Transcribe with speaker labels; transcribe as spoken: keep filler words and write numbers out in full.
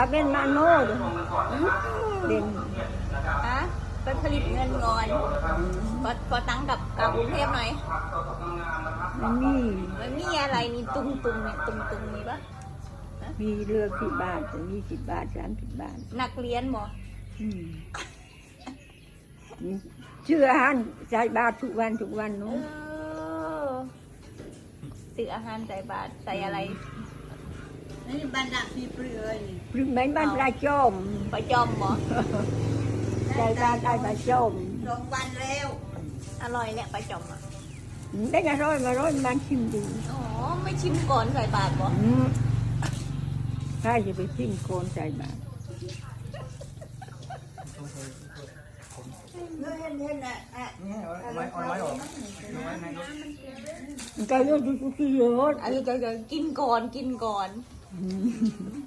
Speaker 1: เป็นมาโน่เด่น
Speaker 2: ฮะไปผลิตเงินก่อนพอพอตั้งกับกับกรุงเทพหน่อย
Speaker 1: มันมี
Speaker 2: มันมีอะไรนี่ตุงตุงเนี่ยตุงตุงมีปะ
Speaker 1: มีเรือสิบบาทมีสิบบาทสามสิบบาท
Speaker 2: นักเรียนบ่
Speaker 1: อืมเชื่ออาหารใส่บาททุกวันทุกวัน
Speaker 2: เอ
Speaker 1: เนาะ
Speaker 2: อซื้ออาหารใส่บาตรใส่อะไร
Speaker 3: นี่บ้านดักพี่เปลือยนี่
Speaker 1: หรือแม่นบ้านปลาจอม
Speaker 2: ปลาจอมบ่
Speaker 1: ใส่บาทใส่ปลาจอม
Speaker 3: สองวันแล้ว
Speaker 2: อร่อยแหละปลาจอมอ่ะ
Speaker 1: ได้กระร้อยมาร้อยมันชิมดู
Speaker 2: อ๋อไม่ชิมก่อนใส่บาตรบ่
Speaker 1: อืมถ้าจะไปชิมโคนใส่บาท
Speaker 3: เนื้อเห็นเห็นอ่ะอ่ะ
Speaker 4: นี่เอาไม้เอาไม้ออกเอาไม้ในรถ
Speaker 1: มันก็เยอะดูทุกทีเยอะ
Speaker 2: อันนี้ก็กินก่อนกินก่อน
Speaker 1: อืม